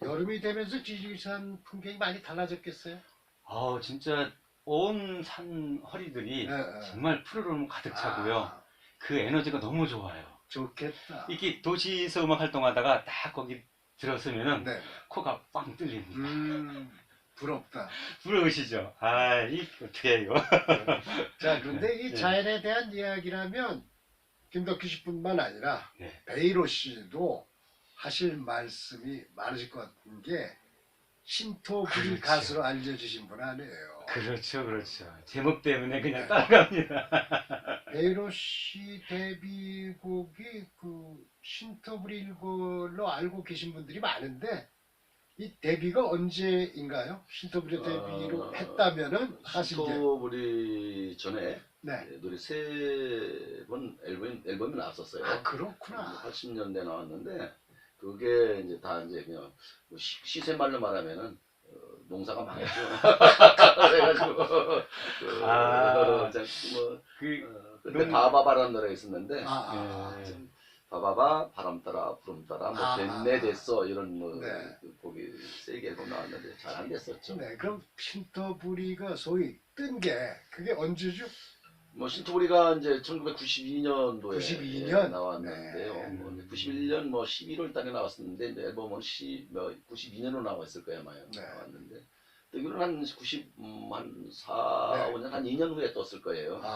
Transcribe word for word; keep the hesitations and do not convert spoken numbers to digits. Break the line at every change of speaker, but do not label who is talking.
여름이 되면서 지리산 풍경이 많이 달라졌겠어요?
아 진짜 온 산 허리들이
예, 예.
정말 푸르름 가득 차고요.
아,
그 에너지가 너무 좋아요.
좋겠다.
이게 도시에서 음악 활동하다가 딱 거기 들었으면은
네.
코가 빵 뚫립니다.
음, 부럽다.
부러우시죠? 아, 이 어떻게 이거?
자, 그런데 이
네.
자연에 대한 이야기라면 김덕기 씨뿐만 아니라
네.
베이로 씨도 하실 말씀이 많으실 것 같은 게 신토부리
그렇죠.
가수로 알려주신 분 아니에요.
그렇죠, 그렇죠. 제목 때문에 그냥
네.
따라갑니다.
베이로 씨 데뷔곡이 그 신토부리인 걸로 알고 계신 분들이 많은데 이 데뷔가 언제인가요? 신토부리 데뷔로
어,
했다면은 하신 게
신토부리 전에
네.
노래 세 번 앨범, 앨범이 나왔었어요.
아 그렇구나.
팔십 년대 나왔는데 그게 이제 다 이제 그냥 뭐 시, 시세말로 말하면은 어, 농사가 망했죠. 그래가지고 그,
아.
자, 뭐
그,
어, 그때
농-
바바바라는 노래가 있었는데
아, 아,
네.
좀 바바바 바람 따라 구름 따라 뭐
아,
됐네 됐어 이런 뭐
네.
그 곡이 세게 앨범 나왔는데 잘 안 됐었죠.
네, 그럼 신토부리가 소위 뜬 게 그게 언제죠?
뭐 신토부리가 이제 천구백구십이 년도에
구십이 년?
나왔는데요.
네.
뭐 구십일 년 뭐 십일월 달에 나왔었는데 이제 앨범은 십, 뭐 구십이 년으로 나왔을 거예요, 아마
네.
나왔는데. 뜨기로는 한 구십, 음, 한 사,
네.
오 년, 한 이 년 후에 떴을 거예요.
아.